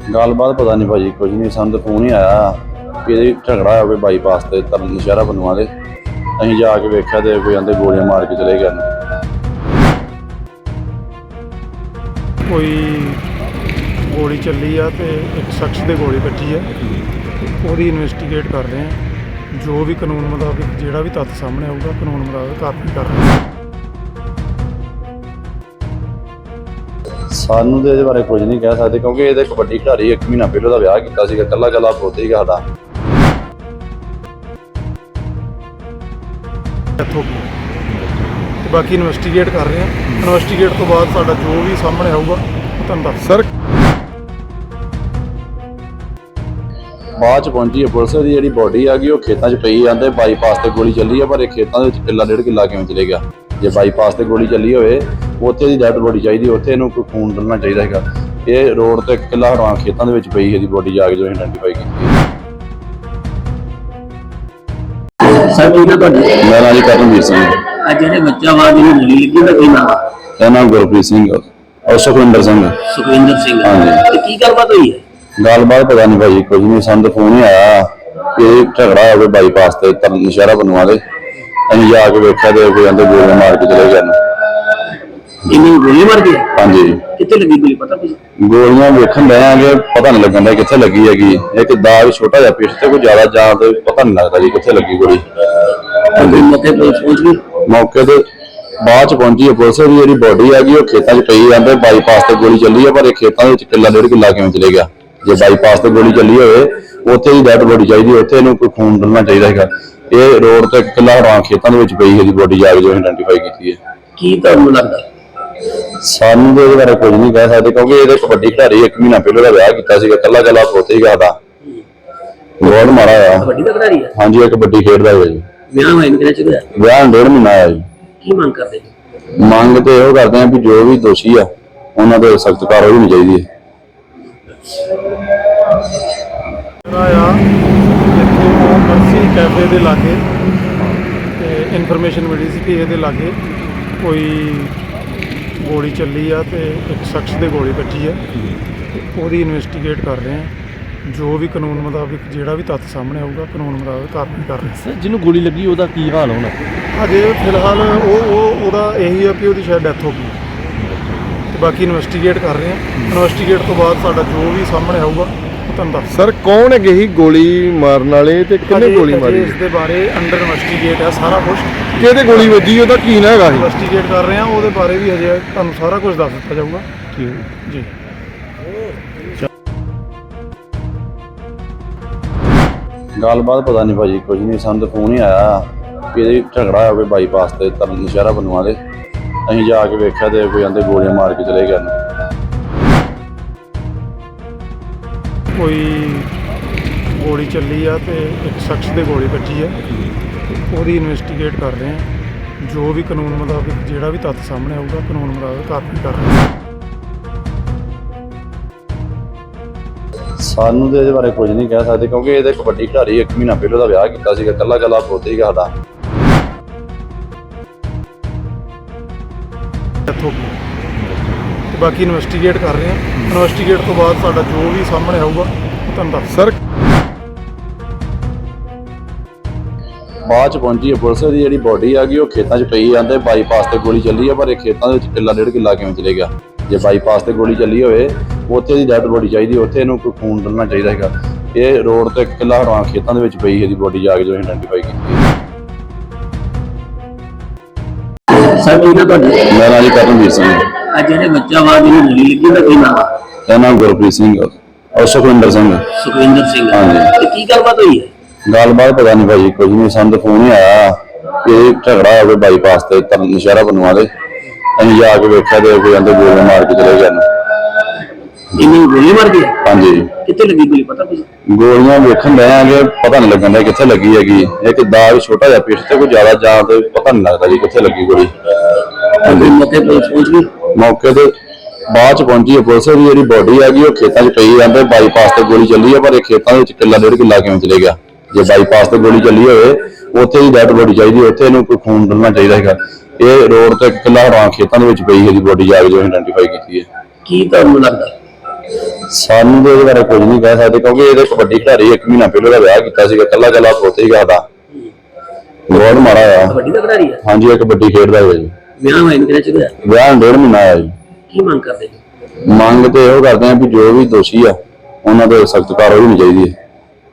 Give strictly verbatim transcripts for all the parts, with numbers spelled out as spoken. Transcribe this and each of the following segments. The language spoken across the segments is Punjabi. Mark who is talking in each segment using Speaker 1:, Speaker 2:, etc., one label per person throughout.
Speaker 1: ਗੱਲਬਾत पता नहीं भाजी कुछ नहीं ਸਾਨੂੰ फोन ही आया कि झगड़ा है कोई बाईपास से तरन नशहरा बनवा दे ਅਸੀਂ ਜਾ ਕੇ ਵੇਖਿਆ ਤੇ ਕੋਈ ਆਂਦੇ ਗੋਲੀਆਂ ਮਾਰ ਕੇ ਚਲੇ ਗਏ ਨੇ।
Speaker 2: ਕੋਈ ਗੋਲੀ ਚੱਲੀ ਆ ਤੇ ਇੱਕ ਸ਼ਖਸ ਦੇ ਗੋਲੀ ਵੱਜੀ ਆ, ਉਹਦੀ ਇਨਵੈਸਟੀਗੇਟ ਕਰ ਰਹੇ ਆ। ਜੋ ਵੀ ਕਾਨੂੰਨ ਮੁਤਾਬਿਕ ਜਿਹੜਾ ਵੀ ਤੱਥ ਸਾਹਮਣੇ ਆਊਗਾ ਕਾਨੂੰਨ ਮੁਤਾਬਿਕ ਕਾਰਵਾਈ ਕਰ ਰਹੇ ਆ।
Speaker 1: ਸਾਨੂੰ ਤੇ ਇਹਦੇ ਬਾਰੇ ਕੁਝ ਨਹੀਂ ਕਹਿ ਸਕਦੇ ਕਿਉਂਕਿ ਇਹਦੇ ਕਬੱਡੀ ਖਿਡਾਰੀ ਇੱਕ ਮਹੀਨਾ ਪਹਿਲਾਂ ਦਾ ਵਿਆਹ ਕੀਤਾ ਸੀਗਾ, ਕੱਲਾ ਕੱਲਾ ਪੁੱਤ ਸੀਗਾ ਸਾਡਾ।
Speaker 2: ਇੱਥੋਂ ਤੇ ਬਾਕੀ ਇਨਵੈਸਟੀਗੇਟ ਕਰ ਰਹੇ ਆ। ਇਨਵੈਸਟੀਗੇਟ ਤੋਂ ਬਾਅਦ ਸਾਡਾ ਜੋ ਵੀ ਸਾਹਮਣੇ ਆਊਗਾ ਉਹ ਤੁਹਾਨੂੰ ਦੱਸ ਸਰ।
Speaker 1: ਬਾਅਦ ਚ ਪਹੁੰਚੀ ਹੈ ਪੁਲਿਸ ਦੀ ਜਿਹੜੀ ਬੋਡੀ ਆ ਗਈ ਉਹ ਖੇਤਾਂ 'ਚ ਪਈ ਜਾਂਦੇ ਬਾਈਪਾਸ ਤੇ ਗੋਲੀ ਚੱਲੀ ਆ, ਪਰ ਇਹ ਖੇਤਾਂ ਦੇ ਵਿੱਚ ਕਿੱਲਾ ਡੇਢ ਕਿੱਲਾ ਕਿਵੇਂ ਚਲੇ ਗਿਆ। ਜੇ ਬਾਈਪਾਸ ਤੇ ਗੋਲੀ ਚੱਲੀ ਹੋਵੇ ਉੱਥੇ ਦੀ ਡੈਡ ਬੋਡੀ ਚਾਹੀਦੀ, ਉੱਥੇ ਇਹਨੂੰ ਕੋਈ ਖੂਨ ਡਲਣਾ ਚਾਹੀਦਾ ਹੈਗਾ। ਇਹ ਰੋਡ ਤੇ ਕਿੱਲਾ ਹਟਵਾ ਖੇਤਾਂ ਦੇ ਵਿੱਚ ਪਈ ਇਹਦੀ ਬੋਡੀ ਜਾ ਕੇ ਜੋ ਆਇਡੈਂਟੀਫਾਈ ਕੀਤੀ।
Speaker 3: ਸਰ ਕੀ ਨਾ ਤੁਹਾਡੇ
Speaker 1: ਮੇਰਾ ਨਾਮ ਜੀ ਕਰਨਵੀਰ ਸਿੰਘ।
Speaker 3: ਅੱਜ ਜਿਹੜੇ ਬੱਚਾ ਵਾ ਜਿਹਨੂੰ ਗੋਲੀ ਲੱਗੀ ਉਹਦਾ ਕੀ ਨਾਮ ਆ?
Speaker 1: ਇਹਦਾ ਨਾਮ ਗੁਰਪ੍ਰੀਤ ਸਿੰਘ ਔਰ ਸੁਖਵਿੰਦਰ ਸਿੰਘ।
Speaker 3: ਸੁਖਵਿੰਦਰ ਸਿੰਘ।
Speaker 1: ਹਾਂਜੀ।
Speaker 3: ਤੇ ਕੀ ਗੱਲਬਾਤ ਹੋਈ ਹੈ?
Speaker 1: ਗੱਲਬਾਤ ਪਤਾ ਨਹੀਂ ਭਾਜੀ ਕੁਝ ਨਹੀਂ, ਸਾਨੂੰ ਫੋਨ ਹੀ ਆਇਆ ਕਿ ਝਗੜਾ ਹੋਵੇ ਬਾਈਪਾਸ ਤੇ ਤਰਨ ਨਸ਼ਹਿਰਾ ਬਣਵਾ ਦੇ। ਅਸੀਂ ਜਾ ਕੇ ਵੇਖਿਆ ਤੇ ਕੋਈ ਆਂਦੇ ਗੋਲੀਆਂ ਮਾਰ ਕੇ ਚਲੇ ਗਏ ਨੇ।
Speaker 3: ਇਹਨੂੰ ਗੋਲੀ ਮਾਰ ਗਈ?
Speaker 1: ਹਾਂਜੀ।
Speaker 3: ਕਿੱਥੇ ਲੱਗੀ ਗੋਲੀ ਪਤਾ ਕੁਝ?
Speaker 1: ਗੋਲੀਆਂ ਵੇਖਣ ਲੈ ਆਂਗੇ ਪਤਾ ਨਹੀਂ ਲੱਗਣ ਦਾ ਕਿੱਥੇ ਲੱਗੀ ਹੈਗੀ। ਇੱਕ ਦਾਗ ਛੋਟਾ ਜਿਹਾ ਪਿੱਠ ਤੇ ਕੋਈ ਜ਼ਿਆਦਾ ਜਾਂ ਤੇ ਪਤਾ ਨਹੀਂ ਲੱਗਦਾ ਜੀ ਕਿੱਥੇ ਲੱਗੀ ਗੋਲੀ।
Speaker 3: ਮੌਕੇ ਤੇ ਪਹੁੰਚ ਗਈ?
Speaker 1: ਮੌਕੇ ਤੇ ਬਾਅਦ ਚ ਪਹੁੰਚੀ ਹੈ ਪੁਲਿਸ ਦੀ ਜਿਹੜੀ ਬੋਡੀ ਹੈਗੀ ਉਹ ਖੇਤਾਂ 'ਚ ਪਈ ਜਾਂਦੇ ਬਾਈਪਾਸ ਤੇ ਗੋਲੀ ਚੱਲੀ ਹੈ, ਪਰ ਇਹ ਖੇਤਾਂ ਦੇ ਵਿੱਚ ਕਿੱਲਾ ਡੇਢ ਕਿੱਲਾ ਕਿਵੇਂ ਚਲੇ ਗਿਆ। ਜੇ ਬਾਈਪਾਸ ਤੇ ਗੋਲੀ ਚੱਲੀ ਹੋਵੇ ਉੱਥੇ ਦੀ ਡੈਡ ਬੋਡੀ ਚਾਹੀਦੀ, ਉੱਥੇ ਇਹਨੂੰ ਕੋਈ ਖੂਨ ਡਲਣਾ ਚਾਹੀਦਾ ਹੈਗਾ। ਇਹ ਰੋਡ ਤੇ ਕਿੱਲਾ ਹਟਵਾ ਖੇਤਾਂ ਦੇ ਵਿੱਚ ਪਈ ਇਹਦੀ ਬੋਡੀ ਜਾ ਕੇ ਜੋ ਆਇਡੈਂਟੀਫਾਈ ਕੀਤੀ ਹੈ।
Speaker 3: ਕੀ ਤੁਹਾਨੂੰ ਲੱਗਦਾ?
Speaker 1: ਸਾਨੂੰ ਤੇ ਇਹਦੇ ਬਾਰੇ ਕੁਝ ਨਹੀਂ ਕਹਿ ਸਕਦੇ ਕਿਉਂਕਿ ਇਹਦੇ ਕਬੱਡੀ ਖਿਡਾਰੀ ਇੱਕ ਮਹੀਨਾ ਪਹਿਲਾਂ ਦਾ ਵਿਆਹ ਕੀਤਾ ਸੀਗਾ, ਕੱਲਾ ਕੱਲਾ ਪੁੱਤ ਸੀਗਾ ਸਾਡਾ। ਬਹੁਤ ਮਾੜਾ ਆ।
Speaker 3: ਕਬੱਡੀ ਦਾ ਖਿਡਾਰੀ ਆ?
Speaker 1: ਹਾਂਜੀ ਇਹ ਕਬੱਡੀ ਖੇਡਦਾ ਹੈ ਜੀ।
Speaker 3: ਵਿਆਹ ਹੋਇਆ ਕਿੰਨੇ ਚਿਰ ਹੋਇਆ?
Speaker 1: ਵਿਆਹ ਨੂੰ ਡੇਢ ਮਹੀਨਾ ਆਇਆ ਜੀ।
Speaker 3: ਕੀ ਮੰਗ ਕਰਦੇ ਜੀ?
Speaker 1: ਮੰਗ ਤੇ ਇਹੋ ਕਰਦੇ ਆ ਵੀ ਜੋ ਵੀ ਦੋਸ਼ੀ ਆ ਉਹਨਾਂ ਤੇ ਸਖਤ ਕਾਰਵਾਈ ਹੋਣੀ ਚਾਹੀਦੀ ਹੈ।
Speaker 2: ਆ ਇੱਥੇ ਮਰਸੀ ਕੈਫੇ ਦੇ ਲਾਗੇ ਤੇ ਇਨਫੋਰਮੇਸ਼ਨ ਮਿਲੀ ਸੀ ਕਿ ਇਹਦੇ ਲਾਗੇ ਕੋਈ ਗੋਲੀ ਚੱਲੀ ਆ ਤੇ ਇੱਕ ਸ਼ਖਸ ਦੇ ਗੋਲੀ ਵੱਜੀ ਆ, ਤੇ ਉਹਦੀ ਇਨਵੈਸਟੀਗੇਟ ਕਰ ਰਹੇ ਆ। ਜੋ ਵੀ ਕਾਨੂੰਨ ਮੁਤਾਬਿਕ ਜਿਹੜਾ ਵੀ ਤੱਥ ਸਾਹਮਣੇ ਆਊਗਾ ਕਾਨੂੰਨ ਮੁਤਾਬਿਕ ਕਾਰਵਾਈ ਕਰ ਰਹੇ
Speaker 4: ਸਰ ਜਿਹਨੂੰ ਗੋਲੀ ਲੱਗੀ ਉਹਦਾ ਕੀ ਹਾਲ ਹੋਣਾ?
Speaker 2: ਅਜੇ ਫਿਲਹਾਲ ਉਹ ਉਹ ਉਹਦਾ ਇਹੀ ਆ ਕਿ ਉਹਦੀ ਸ਼ਾਇਦ ਡੈਥ ਹੋ ਗਈ, ਤੇ ਬਾਕੀ ਇਨਵੈਸਟੀਗੇਟ ਕਰ ਰਹੇ ਆ। ਇਨਵੈਸਟੀਗੇਟ ਤੋਂ ਬਾਅਦ ਸਾਡਾ ਜੋ ਵੀ ਸਾਹਮਣੇ ਆਊਗਾ ਉਹ ਤੁਹਾਨੂੰ ਦੱਸ
Speaker 4: ਸਰ ਕੌਣ ਹੈਗੇ ਸੀ ਗੋਲੀ ਮਾਰਨ ਵਾਲੇ ਤੇ ਕਿੰਨੇ ਗੋਲੀ ਮਾਰੀ?
Speaker 2: ਇਸ ਦੇ ਬਾਰੇ ਅੰਡਰ ਇਨਵੈਸਟੀਗੇਟ ਆ ਸਾਰਾ ਕੁਝ।
Speaker 4: ਕਿਹਦੇ ਗੋਲੀ ਵੱਜੀ ਉਹਦਾ ਕੀ ਨਾ ਹੈਗਾ ਸੀ?
Speaker 2: ਇਨਵੈਸਟੀਗੇਟ ਕਰ ਰਹੇ ਆ, ਉਹਦੇ ਬਾਰੇ ਵੀ ਹਜੇ ਤੁਹਾਨੂੰ ਸਾਰਾ ਕੁਝ ਦੱਸ ਦਿੱਤਾ ਜਾਊਗਾ ਜੀ।
Speaker 1: ਗੱਲਬਾਤ ਪਤਾ ਨਹੀਂ ਭਾਜੀ ਕੁਝ ਨਹੀਂ, ਸਾਨੂੰ ਫੋਨ ਹੀ ਆਇਆ ਕਿ ਝਗੜਾ ਹੋਵੇ ਬਾਈਪਾਸ ਤੇ ਤਰਨ ਨਸ਼ਹਿਰਾ ਬਣਵਾ ਦੇ। ਅਸੀਂ ਜਾ ਕੇ ਵੇਖਿਆ ਤੇ ਕੋਈ ਆਂਦੇ ਗੋਲੀਆਂ ਮਾਰ ਕੇ ਚਲੇ ਗਏ ਨੇ।
Speaker 2: ਕੋਈ ਗੋਲੀ ਚੱਲੀ ਆ ਤੇ ਇੱਕ ਸ਼ਖਸ ਦੇ ਗੋਲੀ ਵੱਜੀ ਆ, ਉਹਦੀ ਇਨਵੈਸਟੀਗੇਟ ਕਰ ਰਹੇ ਆ। ਜੋ ਵੀ ਕਾਨੂੰਨ ਮੁਤਾਬਿਕ ਜਿਹੜਾ ਵੀ ਤੱਥ ਸਾਹਮਣੇ ਆਊਗਾ ਕਾਨੂੰਨ ਮੁਤਾਬਿਕ ਕਾਰਵਾਈ ਕਰ ਰਹੇ ਆ।
Speaker 1: ਸਾਨੂੰ ਤੇ ਇਹਦੇ ਬਾਰੇ ਕੁਝ ਨਹੀਂ ਕਹਿ ਸਕਦੇ ਕਿਉਂਕਿ ਇਹਦੇ ਕਬੱਡੀ ਖਿਡਾਰੀ ਇੱਕ ਮਹੀਨਾ ਪਹਿਲਾਂ ਦਾ ਵਿਆਹ ਕੀਤਾ ਸੀਗਾ, ਕੱਲਾ ਕੱਲਾ ਪੁੱਤ ਸੀਗਾ ਸਾਡਾ।
Speaker 2: ਇੱਥੋਂ ਤੇ ਬਾਕੀ ਇਨਵੈਸਟੀਗੇਟ ਕਰ ਰਹੇ ਆ। ਇਨਵੈਸਟੀਗੇਟ ਤੋਂ ਬਾਅਦ ਸਾਡਾ ਜੋ ਵੀ ਸਾਹਮਣੇ ਆਊਗਾ ਉਹ ਤੁਹਾਨੂੰ ਦੱਸ
Speaker 4: ਸਰ।
Speaker 1: ਬਾਅਦ ਚ ਪਹੁੰਚੀ ਹੈ ਪੁਲਿਸ ਦੀ ਜਿਹੜੀ ਬੋਡੀ ਆ ਗਈ ਉਹ ਖੇਤਾਂ 'ਚ ਪਈ ਜਾਂਦੇ ਬਾਈਪਾਸ ਤੇ ਗੋਲੀ ਚੱਲੀ ਹੈ, ਪਰ ਇਹ ਖੇਤਾਂ ਦੇ ਵਿੱਚ ਕਿੱਲਾ ਡੇਢ ਕਿੱਲਾ ਕਿਵੇਂ ਚਲੇ ਗਿਆ। ਜੇ ਬਾਈਪਾਸ ਤੇ ਗੋਲੀ ਚੱਲੀ ਹੋਵੇ ਉੱਥੇ ਦੀ ਡੈਡ ਬੋਡੀ ਚਾਹੀਦੀ, ਉੱਥੇ ਇਹਨੂੰ ਕੋਈ ਖੂਨ ਡਲਣਾ ਚਾਹੀਦਾ ਹੈਗਾ। ਇਹ ਰੋਡ ਤੇ ਕਿੱਲਾ ਹਟਵਾ ਖੇਤਾਂ ਦੇ ਵਿੱਚ ਪਈ ਇਹਦੀ ਬੋਡੀ ਜਾ ਕੇ ਜੋ ਆਇਡੈਂਟੀਫਾਈ ਕੀਤੀ ਹੈ।
Speaker 3: ਸਰ ਕੀ ਨਾ ਤੁਹਾਡੇ
Speaker 1: ਮੇਰਾ ਨਾਮ ਜੀ ਕਰਨਵੀਰ ਸਿੰਘ।
Speaker 3: ਅੱਜ ਜਿਹੜੇ ਬੱਚਾ ਵਾ ਜਿਹਨੂੰ ਗੋਲੀ ਲੱਗੀ ਉਹਦਾ ਕੀ ਨਾਮ ਆ?
Speaker 1: ਇਹਦਾ ਨਾਮ ਗੁਰਪ੍ਰੀਤ ਸਿੰਘ ਔਰ ਸੁਖਵਿੰਦਰ ਸਿੰਘ।
Speaker 3: ਸੁਖਵਿੰਦਰ ਸਿੰਘ।
Speaker 1: ਹਾਂਜੀ।
Speaker 3: ਤੇ ਕੀ ਗੱਲਬਾਤ ਹੋਈ ਹੈ?
Speaker 1: ਗੱਲਬਾਤ ਪਤਾ ਨਹੀਂ ਭਾਜੀ ਕੁਝ ਨਹੀਂ, ਸਾਨੂੰ ਫੋਨ ਹੀ ਆਇਆ ਕਿ ਝਗੜਾ ਹੋਵੇ ਬਾਈਪਾਸ ਤੇ ਤਰਨ ਨਸ਼ਹਿਰਾ ਬਣਵਾ ਦੇ। ਅਸੀਂ ਜਾ ਕੇ ਵੇਖਿਆ ਤੇ ਕੋਈ ਆਂਦੇ ਗੋਲੀਆਂ ਮਾਰ ਕੇ ਚਲੇ ਗਏ ਨੇ।
Speaker 3: ਇਹਨੂੰ ਗੋਲੀ ਮਾਰ ਗਈ?
Speaker 1: ਹਾਂਜੀ।
Speaker 3: ਕਿੱਥੇ ਲੱਗੀ ਗੋਲੀ ਪਤਾ ਕੁਝ?
Speaker 1: ਗੋਲੀਆਂ ਵੇਖਣ ਲੈ ਆਂਗੇ ਪਤਾ ਨਹੀਂ ਲੱਗਣ ਦਾ ਕਿੱਥੇ ਲੱਗੀ ਹੈਗੀ। ਇੱਕ ਦਾਗ ਛੋਟਾ ਜਿਹਾ ਪਿੱਠ ਤੇ ਕੋਈ ਜ਼ਿਆਦਾ ਜਾਂ ਤੇ ਪਤਾ ਨਹੀਂ ਲੱਗਦਾ ਜੀ ਕਿੱਥੇ ਲੱਗੀ ਗੋਲੀ।
Speaker 3: ਮੌਕੇ ਤੇ ਪਹੁੰਚ ਗਈ?
Speaker 1: ਮੌਕੇ ਤੇ ਬਾਅਦ ਚ ਪਹੁੰਚੀ ਹੈ ਪੁਲਿਸ ਦੀ ਜਿਹੜੀ ਬੋਡੀ ਹੈਗੀ ਉਹ ਖੇਤਾਂ 'ਚ ਪਈ ਜਾਂਦੇ ਬਾਈਪਾਸ ਤੇ ਗੋਲੀ ਚੱਲੀ ਹੈ, ਪਰ ਇਹ ਖੇਤਾਂ ਦੇ ਵਿੱਚ ਕਿੱਲਾ ਡੇਢ ਕਿੱਲਾ ਕਿਵੇਂ ਚਲੇ ਗਿਆ। ਜੇ ਬਾਈਪਾਸ ਤੇ ਗੋਲੀ ਚੱਲੀ ਹੋਵੇ ਉੱਥੇ ਦੀ ਡੈਡ ਬੋਡੀ ਚਾਹੀਦੀ, ਉੱਥੇ ਇਹਨੂੰ ਕੋਈ ਖੂਨ ਡਲਣਾ ਚਾਹੀਦਾ ਹੈਗਾ। ਇਹ ਰੋਡ ਤੇ ਕਿੱਲਾ ਹਟਵਾ ਖੇਤਾਂ ਦੇ ਵਿੱਚ ਪਈ ਇਹਦੀ ਬੋਡੀ ਜਾ ਕੇ ਜੋ ਆਇਡੈਂਟੀਫਾਈ ਕੀਤੀ ਹੈ।
Speaker 3: ਕੀ ਤੁਹਾਨੂੰ ਲੱਗਦਾ?
Speaker 1: ਸਾਨੂੰ ਤੇ ਇਹਦੇ ਬਾਰੇ ਕੁਝ ਨਹੀਂ ਕਹਿ ਸਕਦੇ ਕਿਉਂਕਿ ਇਹਦੇ ਕਬੱਡੀ ਖਿਡਾਰੀ ਇੱਕ ਮਹੀਨਾ ਪਹਿਲਾਂ ਦਾ ਵਿਆਹ ਕੀਤਾ ਸੀਗਾ, ਕੱਲਾ ਕੱਲਾ ਪੁੱਤ ਸੀਗਾ ਦਾ ਬਹੁਤ ਮਾੜਾ ਆ।
Speaker 3: ਕਬੱਡੀ ਦਾ ਖਿਡਾਰੀ ਹੈ।
Speaker 1: ਹਾਂਜੀ ਇਹ ਕਬੱਡੀ ਖੇਡਦਾ ਹੈ ਜੀ।
Speaker 3: ਵਿਆਹ ਹੋਏ ਨੂੰ ਕਿੰਨੇ ਚਿਰ ਹੋਇਆ?
Speaker 1: ਵਿਆਹ ਨੂੰ ਡੇਢ ਮਹੀਨਾ ਆਇਆ ਜੀ।
Speaker 3: ਕੀ ਮੰਗ ਕਰਦੇ ਜੀ?
Speaker 1: ਮੰਗ ਤੇ ਇਹੋ ਕਰਦੇ ਆ ਵੀ ਜੋ ਵੀ ਦੋਸ਼ੀ ਆ ਉਹਨਾਂ ਤੇ ਸਖਤ ਕਾਰਵਾਈ ਹੋਣੀ ਚਾਹੀਦੀ ਹੈ।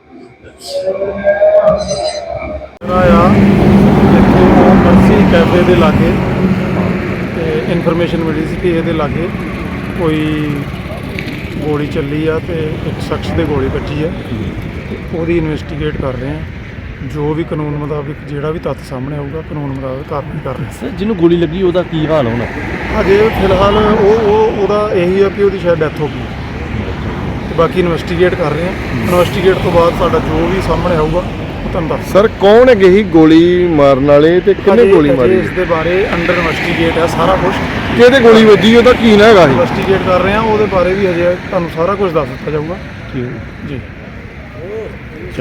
Speaker 2: ਆ ਇੱਥੇ ਮਰਸੀ ਕੈਫੇ ਦੇ ਲਾਗੇ ਤੇ ਇਨਫੋਰਮੇਸ਼ਨ ਮਿਲੀ ਸੀ ਕਿ ਇਹਦੇ ਲਾਗੇ ਕੋਈ ਗੋਲੀ ਚੱਲੀ ਆ ਤੇ ਇੱਕ ਸ਼ਖਸ ਦੇ ਗੋਲੀ ਵੱਜੀ ਆ ਤੇ ਉਹਦੀ ਇਨਵੈਸਟੀਗੇਟ ਕਰ ਰਹੇ ਆ। ਜੋ ਵੀ ਕਾਨੂੰਨ ਮੁਤਾਬਿਕ ਜਿਹੜਾ ਵੀ ਤੱਥ ਸਾਹਮਣੇ ਆਊਗਾ ਕਾਨੂੰਨ ਮੁਤਾਬਿਕ ਕਾਰਵਾਈ ਕਰ ਰਹੇ
Speaker 5: ਸਰ ਜਿਹਨੂੰ ਗੋਲੀ ਲੱਗੀ ਉਹਦਾ ਕੀ ਹਾਲ ਹੋਣਾ?
Speaker 2: ਆ। ਅਜੇ ਫਿਲਹਾਲ ਉਹ ਉਹ ਉਹਦਾ ਇਹੀ ਆ ਕਿ ਉਹਦੀ ਸ਼ਾਇਦ ਡੈਥ ਹੋ ਗਈ ਤੇ ਬਾਕੀ ਇਨਵੈਸਟੀਗੇਟ ਕਰ ਰਹੇ ਆ। ਇਨਵੈਸਟੀਗੇਟ ਤੋਂ ਬਾਅਦ ਸਾਡਾ ਜੋ ਵੀ ਸਾਹਮਣੇ ਆਊਗਾ ਉਹ ਤੁਹਾਨੂੰ ਦੱਸ
Speaker 4: ਸਰ ਕੌਣ ਹੈਗੇ ਸੀ ਗੋਲੀ ਮਾਰਨ ਵਾਲੇ ਤੇ ਕਿੰਨੇ
Speaker 2: ਅਜੇ-
Speaker 4: ਗੋਲੀ
Speaker 2: ਅਜੇ
Speaker 4: ਮਾਰੀ?
Speaker 2: ਇਸ ਦੇ ਬਾਰੇ ਅੰਡਰ ਇਨਵੈਸਟੀਗੇਟ ਆ ਸਾਰਾ ਕੁਝ
Speaker 4: ਕਿਹਦੇ ਗੋਲੀ ਵੱਜੀ ਉਹਦਾ ਕੀ ਨਾ ਹੈਗਾ ਸੀ?
Speaker 2: ਇਨਵੈਸਟੀਗੇਟ ਕਰ ਰਹੇ ਆ। ਉਹਦੇ ਬਾਰੇ ਵੀ ਅਜੇ ਤੁਹਾਨੂੰ ਸਾਰਾ ਕੁਝ ਦੱਸ ਦਿੱਤਾ ਜਾਊਗਾ।
Speaker 5: ਠੀਕ
Speaker 2: ਜੀ।